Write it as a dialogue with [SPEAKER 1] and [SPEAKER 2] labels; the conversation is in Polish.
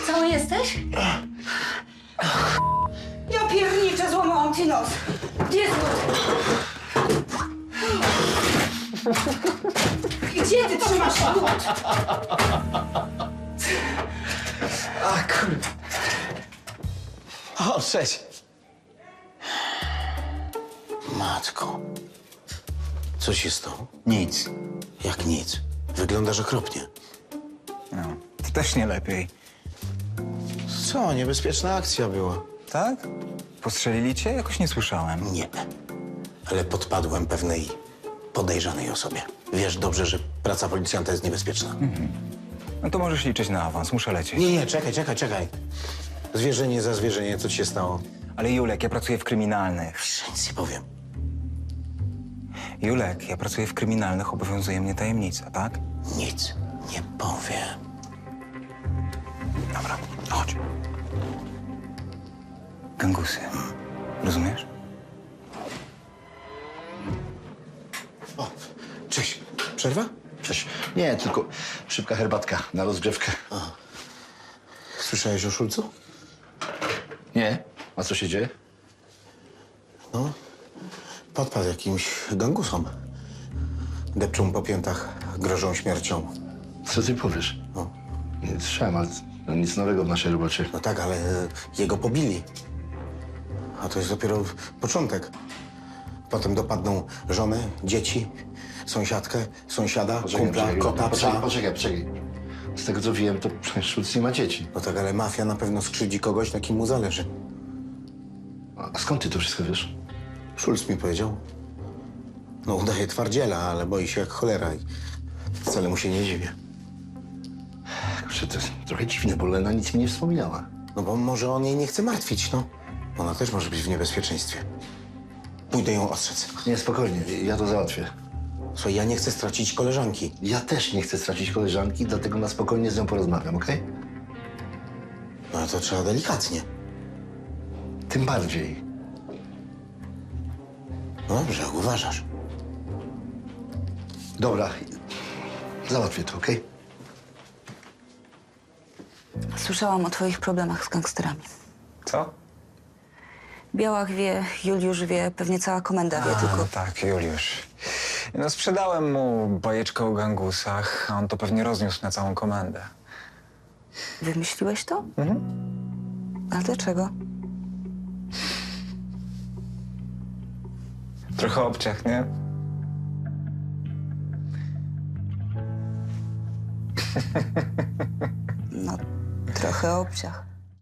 [SPEAKER 1] Cały jesteś?
[SPEAKER 2] Ja pierniczę, złamałam ci nos.
[SPEAKER 1] Gdzie jest Łódź? Gdzie ty trzymasz Łódź?
[SPEAKER 3] A kurde. O, cześć.
[SPEAKER 4] Matko, co się stało?
[SPEAKER 3] Nic.
[SPEAKER 4] Jak nic. Wyglądasz okropnie.
[SPEAKER 3] No, to też nie lepiej.
[SPEAKER 4] Co, niebezpieczna akcja była?
[SPEAKER 3] Tak? Postrzelili cię? Jakoś nie słyszałem.
[SPEAKER 4] Nie, ale podpadłem pewnej podejrzanej osobie. Wiesz dobrze, że praca policjanta jest niebezpieczna.
[SPEAKER 3] No to możesz liczyć na awans, muszę lecieć.
[SPEAKER 4] Nie, czekaj. Zwierzenie za zwierzenie, co ci się stało?
[SPEAKER 3] Ale Julek, ja pracuję w kryminalnych.
[SPEAKER 4] Że nic nie powiem.
[SPEAKER 3] Julek, ja pracuję w kryminalnych, obowiązuje mnie tajemnica, tak?
[SPEAKER 4] Nic nie powiem.
[SPEAKER 3] Dobra, chodź. Gangusy. Rozumiesz?
[SPEAKER 4] O, cześć. Przerwa?
[SPEAKER 5] Cześć. Nie, tylko szybka herbatka na rozgrzewkę.
[SPEAKER 4] Słyszałeś o Szulcu?
[SPEAKER 5] Nie? A co się dzieje?
[SPEAKER 4] No, podpadł jakimś gangusom. Depczą po piętach, grożą śmiercią.
[SPEAKER 5] Co ty powiesz?
[SPEAKER 4] No.
[SPEAKER 5] Nie słyszałem, ale no, nic nowego w naszej robocie.
[SPEAKER 4] No tak, ale jego pobili. A to jest dopiero początek. Potem dopadną żonę, dzieci, sąsiadkę, sąsiada, kumpla, kota, psa.
[SPEAKER 5] Poczekaj. Z tego co wiem, to Szulc nie ma dzieci.
[SPEAKER 4] No tak, ale mafia na pewno skrzywdzi kogoś, na kim mu zależy.
[SPEAKER 5] A skąd ty to wszystko wiesz?
[SPEAKER 4] Szulc mi powiedział. No udaje twardziela, ale boi się jak cholera i wcale mu się nie dziwię.
[SPEAKER 5] Kurczę, to jest trochę dziwne, bo Lena nic mi nie wspominała.
[SPEAKER 4] No bo może on jej nie chce martwić, no. Ona też może być w niebezpieczeństwie. Pójdę ją ostrzec.
[SPEAKER 5] Nie, spokojnie, ja to załatwię.
[SPEAKER 4] Słuchaj, ja nie chcę stracić koleżanki.
[SPEAKER 5] Ja też nie chcę stracić koleżanki, dlatego na spokojnie z nią porozmawiam, okej?
[SPEAKER 4] No ale to trzeba delikatnie.
[SPEAKER 5] Tym bardziej.
[SPEAKER 4] No dobrze, jak uważasz.
[SPEAKER 5] Dobra, załatwię to, okej?
[SPEAKER 2] Słyszałam o twoich problemach z gangsterami.
[SPEAKER 3] Co?
[SPEAKER 2] Białach wie, Juliusz wie, pewnie cała komenda wie, tylko...
[SPEAKER 3] No tak, Juliusz. No sprzedałem mu bajeczkę o gangusach, a on to pewnie rozniósł na całą komendę.
[SPEAKER 2] Wymyśliłeś to? A dlaczego?
[SPEAKER 3] Trochę obciach, nie?
[SPEAKER 2] No, trochę obciach.